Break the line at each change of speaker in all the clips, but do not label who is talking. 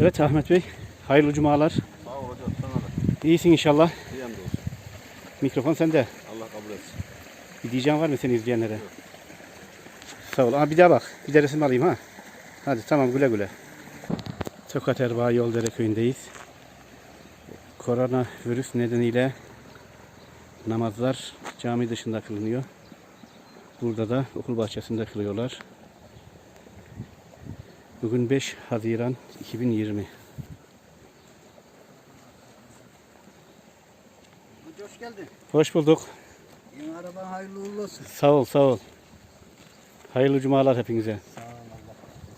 Evet Ahmet Bey, hayırlı cumalar.
Sağ ol hocam, sana da.
İyisin inşallah.
İyiyim de olsun.
Mikrofon sende.
Allah kabul etsin.
Bir diyeceğin var mı seni izleyenlere? Yok. Sağ ol. Bir daha bak. Bir de resim alayım ha. Hadi tamam, güle güle. Tokat Erbaa Yoldere köyündeyiz. Koronavirüs nedeniyle namazlar cami dışında kılınıyor. Burada da okul bahçesinde kılıyorlar. Bugün 5 Haziran 2020.
Hoş geldin.
Hoş bulduk.
Yeni araban hayırlı uğurlu olsun.
Sağ ol, sağ ol. Hayırlı cumalar hepinize.
Sağ ol Allah.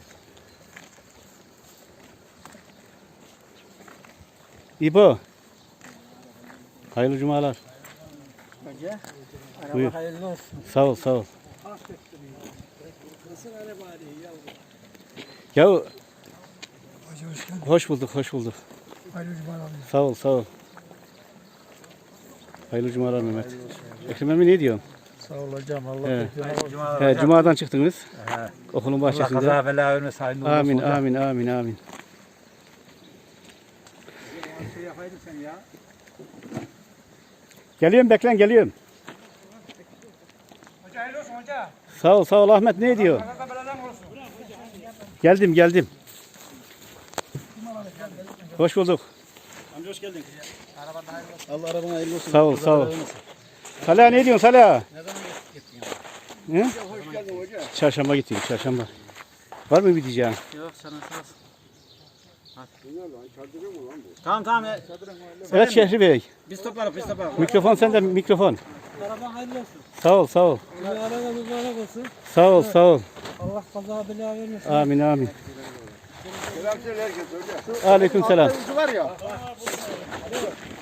İbo. Hayırlı cumalar.
Hoca, araba
Buyur.
hayırlı olsun.
Sağ ol, sağ ol.
Nasıl araba arıyor yavrum?
Ya
Hoca hoş geldin.
hoş bulduk, hoş bulduk.
Hayırlı cumalar.
Sağ ol, sağ ol. Hayırlı cumalar Mehmet. Ekrem emmi ne diyorsun?
Sağ ol hocam. Allah
Evet.
bekliyor.
Cumadan çıktınız.
He.
Okulun
Allah
bahçesinde.
kaza bela vermesin. Hayırlı uğurlu
Amin,
olsun hocam.
amin, amin, amin.
Şey yapaydın sen ya.
Geliyorum, beklen, geliyorum.
Hoca hayırlı olsun hoca.
Sağ ol, sağ ol Ahmet, ne diyor?
Kaza beladan olsun.
Geldim, geldim. Hoş bulduk.
Amca hoş geldin.
Araban hayırlı olsun.
Allah arabana hayırlı olsun.
Sağ ol, sağ ol. Salih ne diyorsun Salih?
Ne zaman gittin ya?
Hı?
Hoş geldin hoca.
Çarşamba gittim, çarşamba. Var mı bir diyeceğin?
Yok sana sağ olsun. Tamam tamam.
Evet Şehri Bey.
Biz toplarız biz toplarız.
Mikrofon sende, mikrofon.
Araban hayırlı olsun.
Sağ ol, sağ ol.
Araba mübarek olsun.
Sağ ol, sağ ol.
Allah kaza bela vermesin.
Amin, amin.
Selam söyle herkes hocam.
Aleyküm selam.
Var ya.